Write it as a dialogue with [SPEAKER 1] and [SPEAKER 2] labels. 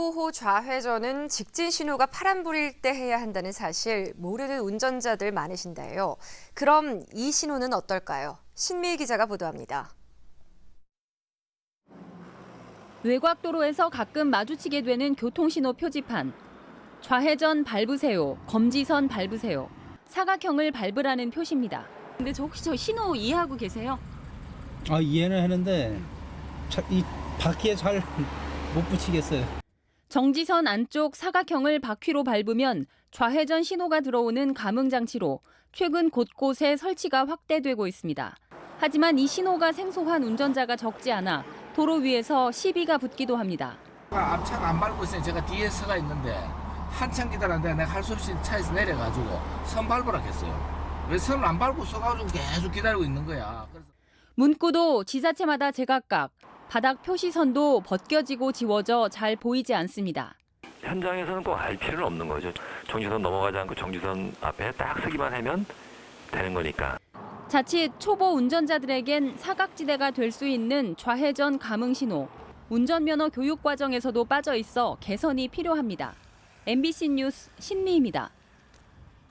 [SPEAKER 1] 호호 좌회전은 직진 신호가 파란불일 때 해야 한다는 사실 모르는 운전자들 많으신데요. 그럼 이 신호는 어떨까요? 신미희 기자가 보도합니다.
[SPEAKER 2] 외곽도로에서 가끔 마주치게 되는 교통신호 표지판. 좌회전 밟으세요, 검지선 밟으세요. 사각형을 밟으라는 표시입니다. 근데 혹시 저 신호 이해하고 계세요?
[SPEAKER 3] 이해는 하는데 이 바퀴에 잘 못 붙이겠어요.
[SPEAKER 2] 정지선 안쪽 사각형을 바퀴로 밟으면 좌회전 신호가 들어오는 감응 장치로 최근 곳곳에 설치가 확대되고 있습니다. 하지만 이 신호가 생소한 운전자가 적지 않아 도로 위에서 시비가 붙기도 합니다.
[SPEAKER 4] 앞차가 안 밟고 있으니 제가 뒤에 서가 있는데 한참 기다렸는데 내가 할 수 없이 차에서 내려가지고 선 밟으라 했어요. 왜 선을 안 밟고 서가지고 계속 기다리고 있는 거야.
[SPEAKER 2] 문구도 지자체마다 제각각, 바닥 표시선도 벗겨지고 지워져 잘 보이지 않습니다.
[SPEAKER 5] 현장에서는 꼭 알 필요는 없는 거죠. 정지선 넘어가지 않고 정지선 앞에 딱 서기만 하면 되는 거니까.
[SPEAKER 2] 자칫 초보 운전자들에겐 사각지대가 될 수 있는 좌회전 감응 신호, 운전면허 교육 과정에서도 빠져 있어 개선이 필요합니다. MBC 뉴스 신미희입니다.